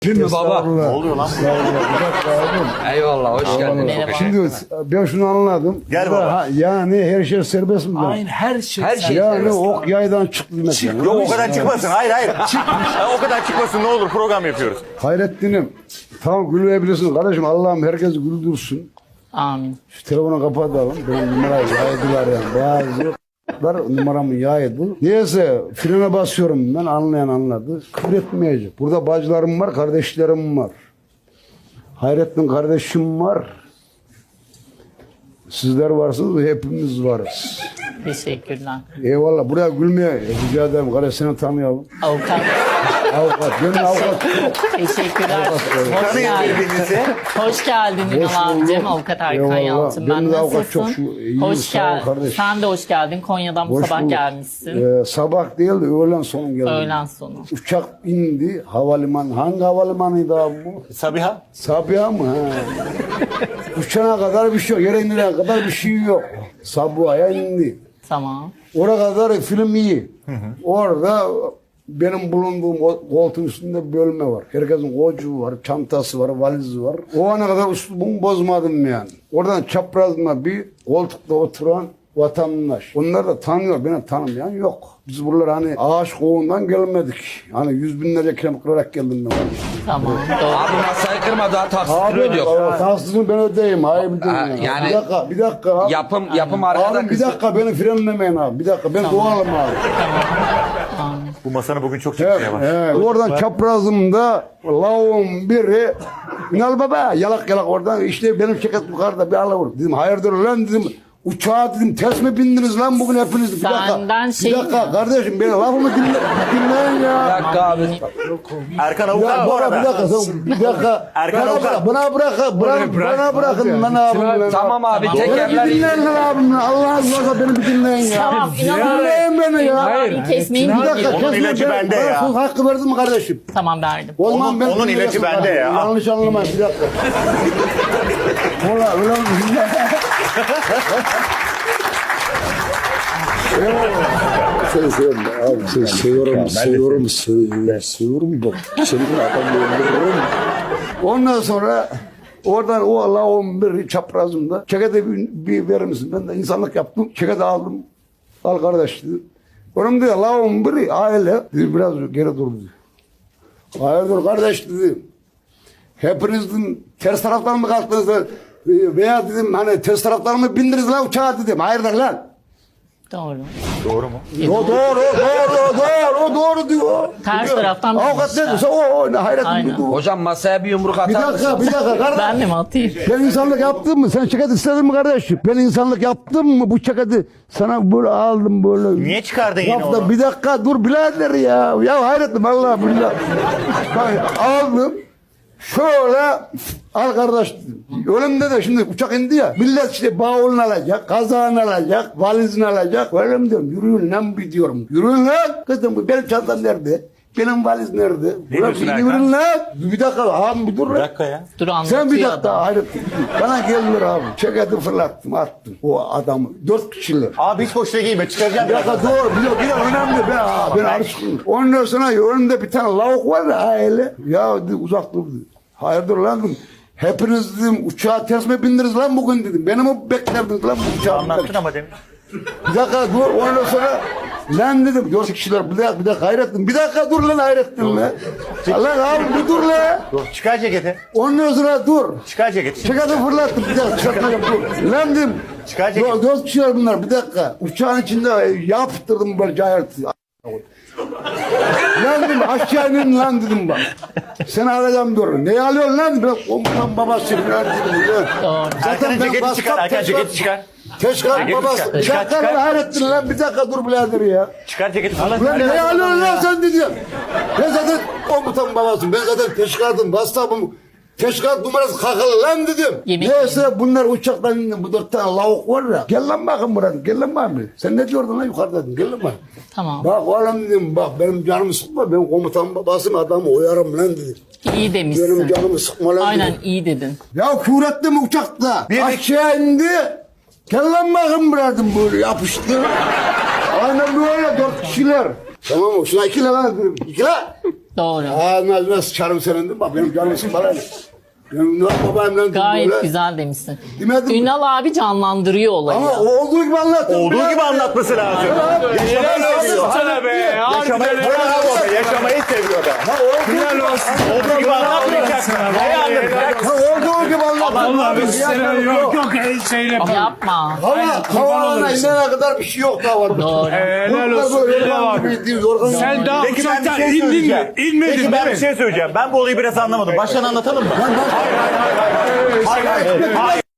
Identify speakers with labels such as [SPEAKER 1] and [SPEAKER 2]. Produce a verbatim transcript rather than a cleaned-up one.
[SPEAKER 1] Öpeyim mi baba?
[SPEAKER 2] Ne oluyor lan?
[SPEAKER 1] Eyvallah, hoş geldin.
[SPEAKER 3] Merhaba.
[SPEAKER 2] Şimdi ben şunu anladım.
[SPEAKER 4] Gel
[SPEAKER 2] Burada
[SPEAKER 4] baba.
[SPEAKER 2] ha- yani her şey serbest mi?
[SPEAKER 3] Aynen her şey.
[SPEAKER 1] Her şey
[SPEAKER 2] Yani
[SPEAKER 1] serbest.
[SPEAKER 2] ok yaydan çıktı demek yani.
[SPEAKER 4] Yok o kadar çıkmasın. Hayır hayır. Ha, o kadar çıkmasın ne olur program yapıyoruz.
[SPEAKER 2] Hayrettin'im tamam gülmeyebilirsin kardeşim, Allah'ım herkesi güldürsün.
[SPEAKER 3] Amin.
[SPEAKER 2] Şu telefonu kapatalım. Benim numarayı yaydılar yani. Bazı numaramı yaydı. Neyse frene basıyorum ben, anlayan anladı. Küfür etmeyecek. Burada bacılarım var, kardeşlerim var. Hayrettin kardeşim var. Sizler varsınız, hepimiz varız.
[SPEAKER 3] Teşekkürler.
[SPEAKER 2] Eyvallah. Buraya gülmeye rica ederim. Kardeş seni tanıyalım.
[SPEAKER 3] Avukat.
[SPEAKER 2] Avukat. Benim avukat.
[SPEAKER 3] Teşekkürler. Hoş
[SPEAKER 4] Tanıyın
[SPEAKER 3] geldin.
[SPEAKER 4] birbirinizi.
[SPEAKER 3] Hoş geldin
[SPEAKER 2] Hoş
[SPEAKER 3] Ünal
[SPEAKER 2] bulduk.
[SPEAKER 3] abicim. Avukat Erkan
[SPEAKER 2] Eyvallah.
[SPEAKER 3] Yalçın.
[SPEAKER 2] Benim
[SPEAKER 3] Ben
[SPEAKER 2] de avukat
[SPEAKER 3] nasılsın?
[SPEAKER 2] çok şu- iyiyim,
[SPEAKER 3] Hoş
[SPEAKER 2] sağ ol
[SPEAKER 3] geldin.
[SPEAKER 2] kardeş.
[SPEAKER 3] Sen de hoş geldin. Konya'dan bu
[SPEAKER 2] Hoş
[SPEAKER 3] sabah
[SPEAKER 2] bulduk.
[SPEAKER 3] gelmişsin.
[SPEAKER 2] Ee, sabah değil de öğlen sonu geldim.
[SPEAKER 3] Öğlen sonu.
[SPEAKER 2] Uçak indi. Havalimanı. Hangi havalimanıydı abi bu?
[SPEAKER 4] Sabiha.
[SPEAKER 2] Sabiha mı? Ha. Uçana kadar bir şey yok. Yere inene kadar bir şey yok. Sabiha'ya indi.
[SPEAKER 3] Tamam.
[SPEAKER 2] Oraya kadar film iyi. Orada benim bulunduğum o- koltuğun üstünde bir bölme var. Herkesin kocuğu var, çantası var, valizi var. O ana kadar üslubumu bozmadım yani. Oradan çaprazma bir koltukta oturan vatandaş. Onlar da tanıyor, beni tanımayan yok. Biz buralar hani ağaç kovuğundan gelmedik. Hani yüz binlerce kilometre kırarak geldim ben.
[SPEAKER 3] Tamam. Doğru.
[SPEAKER 1] Abi masayı kırma, daha taksitini ödüyor.
[SPEAKER 2] Taksitini ben ödeyeyim. Hayır bir,
[SPEAKER 1] Ha,
[SPEAKER 2] yani.
[SPEAKER 1] yani-
[SPEAKER 2] bir dakika, bir dakika. Abi,
[SPEAKER 1] Yapım yapım arkada
[SPEAKER 2] abi bir
[SPEAKER 1] kızı.
[SPEAKER 2] dakika beni frenlemeyin abi. Bir dakika ben doğalım abi.
[SPEAKER 3] Amin.
[SPEAKER 4] Bu masanın bugün çok
[SPEAKER 2] Evet,
[SPEAKER 4] çıkmaya var.
[SPEAKER 2] evet. Oradan çaprazımda lavuğun biri Ünal baba yalak yalak oradan işte benim şirket yukarıda bir alavur. Dedim hayırdır lan dedim. Uçağa dedim ters mi bindiniz lan bugün hepiniz? Bir dakika.
[SPEAKER 3] Senden şey-
[SPEAKER 2] Bir dakika kardeşim beni lafımı dinle, dinleyin
[SPEAKER 1] Bir
[SPEAKER 2] ya.
[SPEAKER 1] dakika abi.
[SPEAKER 4] Erkan
[SPEAKER 2] Ya
[SPEAKER 4] avukat bu
[SPEAKER 2] bana bir
[SPEAKER 4] arada.
[SPEAKER 2] dakika sen bir dakika.
[SPEAKER 4] Erkan
[SPEAKER 2] bana
[SPEAKER 4] avukat.
[SPEAKER 2] bırak, bana bırak, bırak, bana bırakın lan abim. lan.
[SPEAKER 1] Tamam abi,
[SPEAKER 3] Tamam.
[SPEAKER 2] Beni bir
[SPEAKER 1] tekerler.
[SPEAKER 2] dinleyin lan abim. lan. Allah Allah beni bir dinleyin ya.
[SPEAKER 3] Tamam. İnan abi.
[SPEAKER 2] Dinleyin beni ya.
[SPEAKER 3] Hayır. Kesmeyin.
[SPEAKER 2] Bir dakika
[SPEAKER 4] Onun
[SPEAKER 2] kesme,
[SPEAKER 4] ilacı
[SPEAKER 2] ben-
[SPEAKER 4] bende
[SPEAKER 2] bana
[SPEAKER 4] ya.
[SPEAKER 2] söz hakkı verdin mi kardeşim?
[SPEAKER 3] Tamam verdim.
[SPEAKER 2] O zaman
[SPEAKER 4] Onun-
[SPEAKER 2] ben
[SPEAKER 4] onun ilacı bende ya.
[SPEAKER 2] Yanlış anlamayın bir dakika. Valla öyle mi? Seni seviyorum abi. Seni seviyorum, seviyorum, seviyorum, seviyorum bak. Seni adamı öldürürüm. Ondan sonra oradan o Allah'ın bir çaprazımda çekete bir, bir verir misin? Ben de insanlık yaptım. Çekete aldım. Al kardeş dedi. Onun dedi Allah'ın biri aile. Dedi, biraz geri dur dedi. Hayırdır kardeş dedi. Hepiniz dedim, ters taraftan mı kalktınız da veya dedim hani ters taraftan mı bindiniz lan uçağa dedim. Hayırdır lan?
[SPEAKER 3] Doğru.
[SPEAKER 4] Doğru mu?
[SPEAKER 2] O doğru, doğru, doğru, o doğru diyor.
[SPEAKER 3] Ters taraftan
[SPEAKER 2] Avukat ne
[SPEAKER 3] binmişler.
[SPEAKER 2] diyorsa o, o ne hayret
[SPEAKER 3] Aynen.
[SPEAKER 2] ediyor.
[SPEAKER 1] Hocam masaya bir yumruk
[SPEAKER 2] Bir
[SPEAKER 1] atar
[SPEAKER 2] dakika,
[SPEAKER 1] mısın?
[SPEAKER 2] bir dakika kardeş.
[SPEAKER 3] Ben de mi atayım?
[SPEAKER 2] Ben insanlık yaptım mı? Sen şirket istedin mi kardeş? Ben insanlık yaptım mı? Bu şirketi sana böyle aldım böyle.
[SPEAKER 4] Niye çıkardın yine
[SPEAKER 2] Yaptım.
[SPEAKER 4] onu?
[SPEAKER 2] Bir dakika dur birader ya. Ya hayrettim Allah billah. Bak, aldım. Şöyle al kardeş dedim. Önümde de şimdi uçak indi ya. Millet işte bavulunu alacak, kazağını alacak, valizini alacak. Öyle mi diyorum? Yürüyün lan bir diyorum. Yürüyün lan. Kızım bu benim çantam nerede? Benim valiz nerede?
[SPEAKER 4] Ne
[SPEAKER 2] Ulan
[SPEAKER 4] diyorsun
[SPEAKER 2] bir
[SPEAKER 4] Erkan?
[SPEAKER 2] yürüyün lan. Bir dakika abi bir dur
[SPEAKER 4] Bir
[SPEAKER 2] lan.
[SPEAKER 4] dakika ya.
[SPEAKER 3] Dur anlatıyor
[SPEAKER 2] Sen bir dakika
[SPEAKER 3] adam.
[SPEAKER 2] hayret. Bana geldiler abi. Çeketi fırlattım attım. O adamı. Dört kişiler.
[SPEAKER 4] Abi hiç boşuna giyme çıkaracağım.
[SPEAKER 2] Bir dakika doğru. Bir dakika, bir dakika önemli. Ben, aa, ben alışkınım. Ondan sonra önümde bir tane lavuk var ya aile. Ya dedi, uzak dur dedi. Hayırdır lan dedim. Hepiniz dedim uçağa ters mi bindiniz lan bugün dedim. Beni mi beklerdiniz lan bu uçağa?
[SPEAKER 4] Anlattın ama demin.
[SPEAKER 2] Bir dakika dur. Ondan sonra lan dedim. Dört kişiler bir dakika, bir dakika hayrettin. Bir dakika dur lan hayrettin lan. Lan abi bir dur lan.
[SPEAKER 4] Dur, çıkar ceketi.
[SPEAKER 2] Ondan sonra dur.
[SPEAKER 4] Çıkar ceketi.
[SPEAKER 2] Çekatı fırlattım bir dakika çıkartmayacağım dur. Lan dedim.
[SPEAKER 4] Çıkar ceketi.
[SPEAKER 2] Dört, dört kişiler bunlar bir dakika. Uçağın içinde yaptırdım böyle cayartı. Lan dedim aşağı inin lan dedim bak. Seni alacağım dur. Neyi alıyorsun lan? Ben komutan babası falan dedim.
[SPEAKER 3] Doğru.
[SPEAKER 4] Erkan'ın ceketi çıkar. Erkan ceketi çıkar.
[SPEAKER 2] Teşkal
[SPEAKER 4] Ceketi
[SPEAKER 2] babası.
[SPEAKER 4] çıkar,
[SPEAKER 2] Bir
[SPEAKER 4] çıkar,
[SPEAKER 2] dakika
[SPEAKER 4] çıkar.
[SPEAKER 2] lan hayrettin lan. Bir dakika dur birader ya.
[SPEAKER 4] Çıkar ceketi falan.
[SPEAKER 2] Ulan neyi alıyorsun lan sen dedim. Ben zaten komutan babasıyım. Ben zaten teşkilatım. WhatsApp'ım. Teşkilat numarası kakalı lan dedim.
[SPEAKER 3] Yemek
[SPEAKER 2] Neyse bunlar uçaktan indi. Bu dört tane lavuk var ya. Gel lan bakın buradan. Gel lan bakın. Sen ne diyordun lan yukarıdaydın. Gel lan bakın.
[SPEAKER 3] Tamam.
[SPEAKER 2] Bak oğlum dedim bak benim canımı sıkma. Ben komutan babasının adamı uyarım lan dedim.
[SPEAKER 3] İyi
[SPEAKER 2] Benim
[SPEAKER 3] demişsin.
[SPEAKER 2] canımı sıkma lan
[SPEAKER 3] Aynen
[SPEAKER 2] dedim.
[SPEAKER 3] iyi dedin.
[SPEAKER 2] Ya küfretti mi uçakta?
[SPEAKER 4] Bir-
[SPEAKER 2] Aşağı indi. Gel lan bakın buradan böyle yapıştı. Aynen böyle dört kişiler. Tamam mı? Şuna iki lan dedim. İki lan.
[SPEAKER 3] Doğru.
[SPEAKER 2] Ağzına nasıl çarım senin değil mi? Bak benim canım bana. Benim babamla
[SPEAKER 3] Gayet
[SPEAKER 2] böyle.
[SPEAKER 3] güzel demişsin.
[SPEAKER 2] Demedim mi?
[SPEAKER 3] Ünal abi canlandırıyor olayı.
[SPEAKER 2] Ama olduğu gibi anlattım.
[SPEAKER 4] Olduğu gibi anlatması lazım. Yaşamayı seviyor.
[SPEAKER 5] Sana be.
[SPEAKER 4] Yaşamayı, bravo be, yaşamayı seviyor be.
[SPEAKER 5] Helal olsun.
[SPEAKER 4] Olduğu gibi anlatmayacak. Ne anlatacak?
[SPEAKER 2] Ha, olduğu gibi anlattım.
[SPEAKER 5] Allah bir sene
[SPEAKER 2] Yok,
[SPEAKER 5] yok yok şeyle
[SPEAKER 3] Yapma.
[SPEAKER 2] Hava, havalarına inene kadar bir şey yok daha var.
[SPEAKER 3] Doğru.
[SPEAKER 5] Helal
[SPEAKER 2] Bunlar
[SPEAKER 5] olsun.
[SPEAKER 2] böyle
[SPEAKER 5] Helal
[SPEAKER 2] yorgan
[SPEAKER 5] abi.
[SPEAKER 2] gibi değil, yorgan gibi.
[SPEAKER 5] Sen daha
[SPEAKER 4] Peki ben bir
[SPEAKER 5] uçaktan
[SPEAKER 4] şey
[SPEAKER 5] indin
[SPEAKER 4] söyleyeceğim.
[SPEAKER 5] mi? İnmedin
[SPEAKER 4] Peki ben
[SPEAKER 5] değil
[SPEAKER 4] bir
[SPEAKER 5] mi?
[SPEAKER 4] şey söyleyeceğim. Ben bu olayı biraz anlamadım. Baştan anlatalım mı? Hayır hayır hayır. Hayır hayır. Hayır.